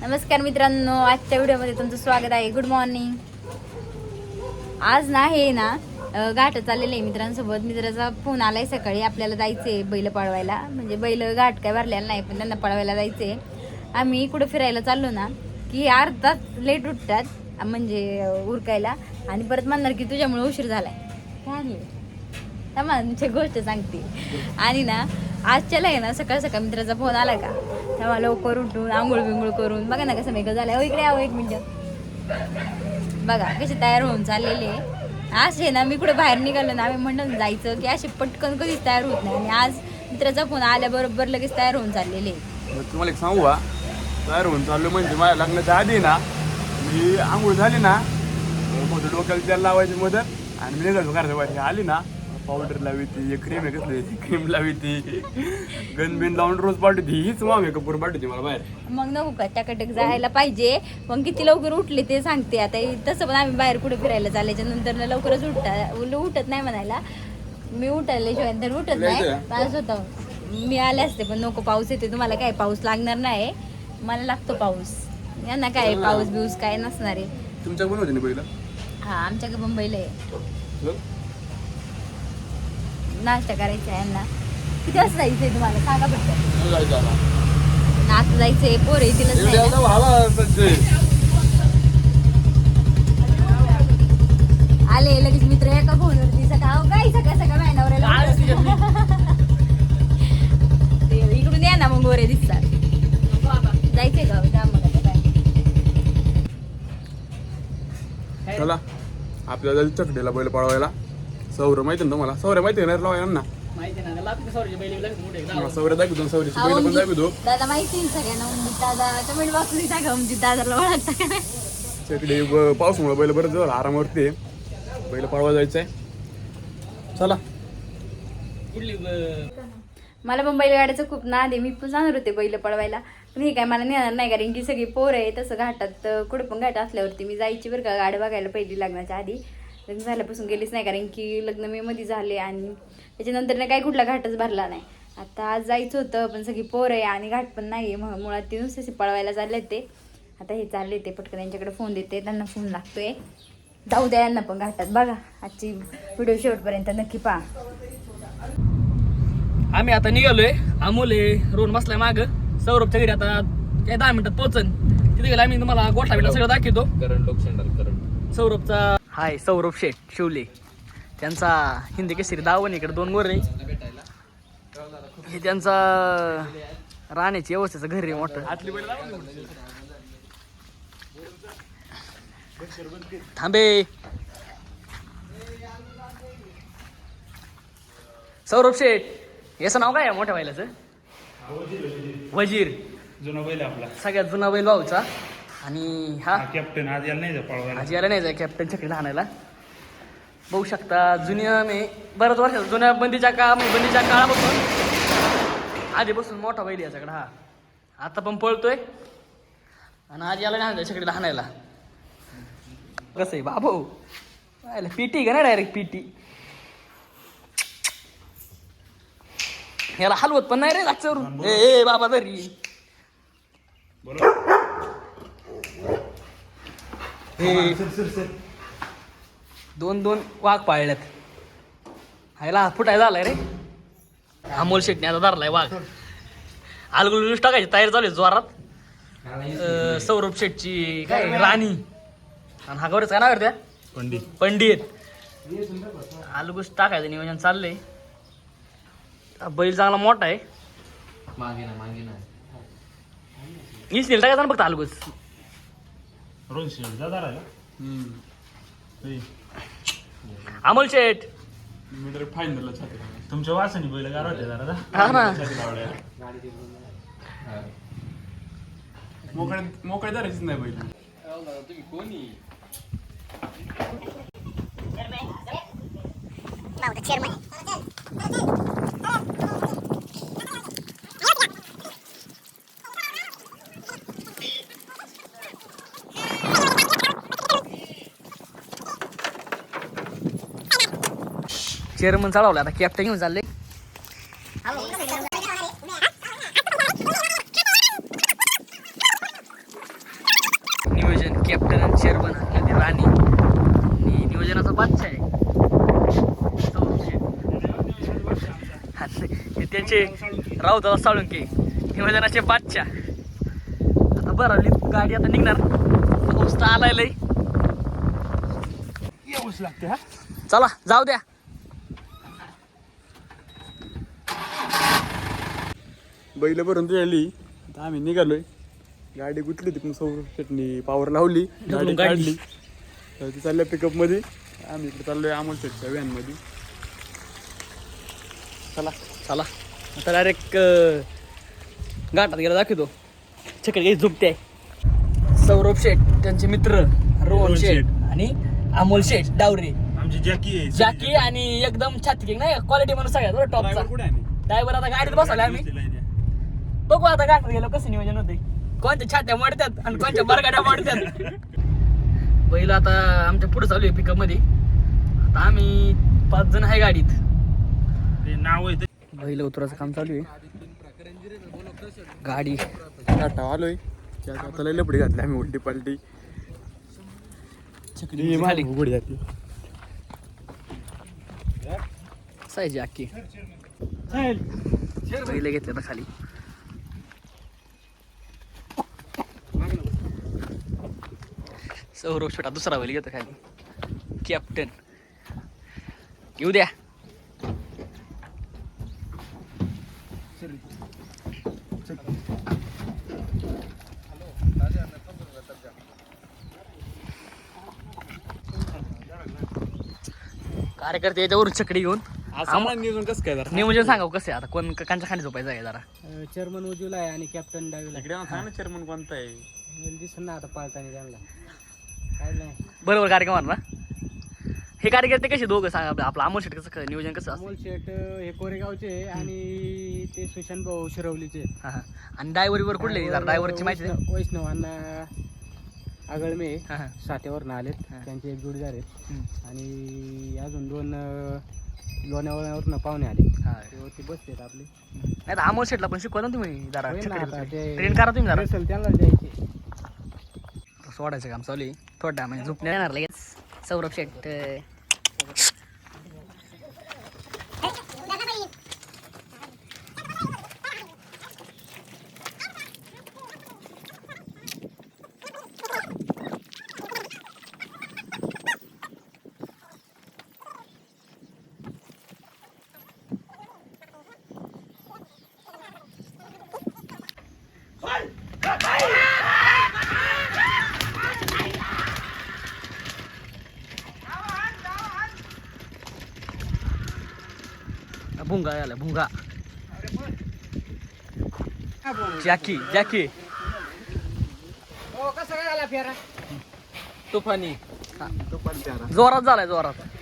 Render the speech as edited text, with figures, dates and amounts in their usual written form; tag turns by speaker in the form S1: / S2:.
S1: नमस्कार मित्रांनो, आजच्या व्हिडिओमध्ये तुमचं स्वागत आहे. Good morning. आज ना हे ना घाट चाललेलं आहे मित्रांसोबत. मित्राचा फोन आलाय सकाळी, आपल्याला जायचंय बैल पळवायला. म्हणजे बैल घाट काय भरलेला नाही, पण त्यांना पळवायला जायचंय. आम्ही कुठं फिरायला चाललो ना की अर्धा लेट उठतात, म्हणजे उरकायला, आणि परत म्हणणार की तुझ्यामुळे उशीर झालाय. काय तुमची गोष्ट सांगते. आणि ना आजच्याला आहे ना सकाळ सकाळ मित्राचा फोन आला का, तेव्हा लवकर उठून आंघोळ बिंघोळ करून बघा ना कसं मेकअप झालं. इकडे यावं एक मिनिट. बघा कसे तयार होऊन चाललेले. असे ना मी कुठे बाहेर निघालो ना, आम्ही म्हणून जायचं की असे पटकन कधीच तयार होत नाही. आणि आज मित्राचा फोन आल्याबरोबर लगेच तयार होऊन चाललेले.
S2: तुम्हाला एक सांगू का, तयार होऊन चाललो म्हणजे माझ्या लग्नाच्या आधी ना मी आंघोळ झाली ना, मोठं डोक्याला तेल लावायची मदत, आणि मी निघालो घराच्या आली ना, पावडर लावी ती, क्रीम आहे कसली क्रीम लावी ती, गनबिन लावून रोज पाठवती. हीच मग मेकअप करून पाठवते मला बाहेर.
S1: मग नको का टकाटक जायला पाहिजे. मग किती लवकर उठले ते सांगते. आता तसं पण आम्ही बाहेर कुठे फिरायला चालायच्या नंतर लवकरच उठत नाही म्हणायला. मी उठायला शिवाय तर उठत नाही. पाऊस होता, मी आले असते पण नको, पाऊस येते. तुम्हाला काय पाऊस लागणार नाही, मला लागतो पाऊस. यांना काय पाऊस बिऊस काय नसणार आहे.
S2: तुमच्या पण होते ना पहिला?
S1: हा, आमच्याकडे मुंबईला आहे. नाश्ता करायचा आहे यांना. किती वाजता जायचंय तुम्हाला सांगा फक्त. आता जायचंय, पोर येतील. आले लगेच मित्र एका फोनवरती. सकाळ काय सकाळ सकाळ मॅनावर इकडून या ना, मग गोरे दिसतात. जायचंय का? जा मग.
S2: चला आपल्याला चकडेला बैल पळवायला. सौर माहिती ना तुम्हाला? सौर्य माहिती ना लावा यांना? सौर्य दाखवतो, सौर्याची बैल पण दाखवतो.
S1: दादा माहिती आहे सगळ्यांना. दादा कमेंट बॉक्समध्ये टाका, म्हणजे दादाला ओळखता का.
S2: चकडे पावसामुळे बैल बरं झालं, आरामावरती बैल पळवा जायचंय. चला.
S1: मला पण बैलगाड्याचं खूप नाद आहे. मी पण जाणार होते बैल पळवायला, पण हे काय मला नेणार नाही, कारण की सगळी पोरं आहे. तसं घाटात कुठं पण घाट असल्यावरती मी जायची बरं का गाडी बघायला. पहिली लग्नाच्या आधी, लग्न झाल्यापासून गेलीच नाही, कारण की लग्न मे मध्ये झाले आणि त्याच्यानंतर ना काही कुठला घाटच भरला नाही. आता आज जायचं होतं, पण सगळी पोरं आहे आणि घाट पण नाही आहे. मुळात ते नुसते पळवायला चालले ते. आता हे चालले ते पटकन त्यांच्याकडे फोन देते, त्यांना फोन लागतोय. जाऊ द्या यांना पण घाटात. बघा आजची व्हिडिओ शेवटपर्यंत नक्की पहा.
S3: आम्ही आता निघालोय. अमोल रोड बसलाय माग सौरभच्या घरी. आता काय 10 मिनिटात पोहोचन. तिथे गेला आम्ही तुम्हाला गोठा बिटा सगळं दाखवतो. सौरभचा हाय, सौरभ शेठ शिवले. त्यांचा हिंदी केसरी दावण. इकडे 2 गोरे. हे त्यांचा राहण्याची व्यवस्थेचं घर आहे मोठं. थांबे. सौरभ शेठ, याचं नाव काय आहे मोठ्या बैलाचं? वजीर.
S4: जुना बैल आपला,
S3: सगळ्यात जुना बैल भाऊचा. आणि हा
S4: कॅप्टन आज यायला नाही पळवायला.
S3: आज यायला नाही जाय कॅप्टनच्या कडे आणायला. बघू शकता जुन्या मी बऱ्याच वर्षाचा जुन्या बंदीच्या काळापासून आधीपासून मोठा बैल याच्याकडे. हा आता पण पळतोय आणि आज याला नाही त्याच्याकडे आणायला. कसं आहे बाबू, पीटी का नाही डायरेक्ट पीटी. याला हलवत पण नाही रे लागच्यावरून. ए बाबा तरी दोन वाघ पाळल्यात. ह्याला फुटाय झालाय रे. अमोल शेटने आता धरलाय वाघ. आलगुलूस टाकायची तयार झाली जोरात. सौरभ शेटची काय राणी आणि हा गौरीच काय नाव करत्या? पंडित. आलगुस टाकायचं नियोजन चाललंय. बैल चांगला मोठा आहे. मागे ना नील टाकायचा ना फक्त आलगुस. अमोल शेठ
S2: फायनल
S4: तुमच्या वासानी बैल गार होते जरा.
S3: हा ना,
S2: मोकळे धरायचीच नाही बैल.
S3: तुम्ही कोणी चेअरमन चालवलं. आता कॅप्टन घेऊन चालले. कॅप्टन आणि चेअरमन मध्ये राणी आणि नियोजनाचा बादशाह आहे सौरभ शेठ. आणि त्यांचे राऊताला साळुंके नियोजनाचे बादशाह. आता बरवली गाडी आता निघणार. पाऊस तर आलाय लय.
S2: येऊच लागते हा.
S3: चला जाऊ द्या.
S2: बैल भरून आली आता आम्ही निघालोय. गाडी गुतली होती पण सौरभ शेटनी पावर लावली, गाडी काढली. तर ती चालल्या पिकअप मध्ये. आम्ही इकडे चाललोय अमोल शेटच्या व्हॅन मध्ये.
S3: चला चला आता डायरेक्ट घाटात गेला दाखवतो. छकडी काही झुकते आहे. सौरभ शेठ त्यांचे मित्र रोहन शेठ आणि अमोल शेठ डावरे
S4: आमची जॅकी आहे.
S3: जाकी आणि एकदम छाती नाही क्वालिटी म्हणून सगळ्यात टॉपचा
S2: कुठे आहे?
S3: ड्रायव्हर. आता गाडीत बसवले आम्ही. बघू आता घाटात गेलो कसं नियोजन होते. कोणत्या छात्या मोडतात आणि कोणत्या बरगाड्या मोडतात. बैल आता आमच्या पुढे चालू आहे पिकअप मध्ये. आता आम्ही 5 जण आहे गाडीत.
S4: ते नाव आहे ते.
S3: बैल उतराचं काम चालू आहे. गाडी
S2: टाटा आलोय. आता लय लपडी घातली आम्ही उलटी पालटी.
S3: छकडी झाली.
S2: उघडी जाते.
S3: सायजी अक्की बैल घेतले आता खाली. सौरभ छोटा दुसरा बैल घेतो खाली. कॅप्टन येऊ द्या. कार्यकर्ते याच्यावरून छकडी घेऊन
S2: नियोजन कसं काय जरा
S3: नियोजन सांगा कसं आहे आता. कोण कांच्या खाली झोपायचं आहे जरा.
S5: चेअरमन उजूला आहे आणि कॅप्टन डावीला
S2: इकडे सांग ना चेअरमन कोणता आहे.
S5: दिसत ना आता पाळताना त्यांना काय नाही.
S3: बरोबर कार्यक्रम ना. हे कार्यकर्ते कसे दोघं सांगा. आपलं अमोल शेट कसं नियोजन कसं असतं.
S5: अमोल शेठ हे कोरेगावचे आणि ते सुशांत भाऊ शिरवलीचे.
S3: हां हां. आणि ड्रायव्हरीवर कुठले जरा ड्रायव्हरची माहिती आहे.
S5: वैष्णवांना आगळमे
S3: हां हां.
S5: साठ्यावरनं आलेत.
S3: हा.
S5: त्यांचे एक जोडीदार आहेत
S3: हम्म.
S5: आणि अजून 2 लोण्यावरनं पाहुणे आले.
S3: हां.
S5: ते बसलेत आपले.
S3: नाही तर अमोल शेटला पण शिकवा ना तुम्ही जरा.
S5: होय ना आता ते
S3: ट्रेन करा तुम्ही जरा.
S5: असेल त्यांना द्यायचे.
S3: सोडायचं काम चालू आहे. थोडा म्हणजे झोपणे येणार लगेच. सौरभ शेट भुंगा आला भुंगा. जॅकी जॅकी
S5: हो कसं काय झाला फेरा?
S3: तुफानी जोरात झालाय जोरात.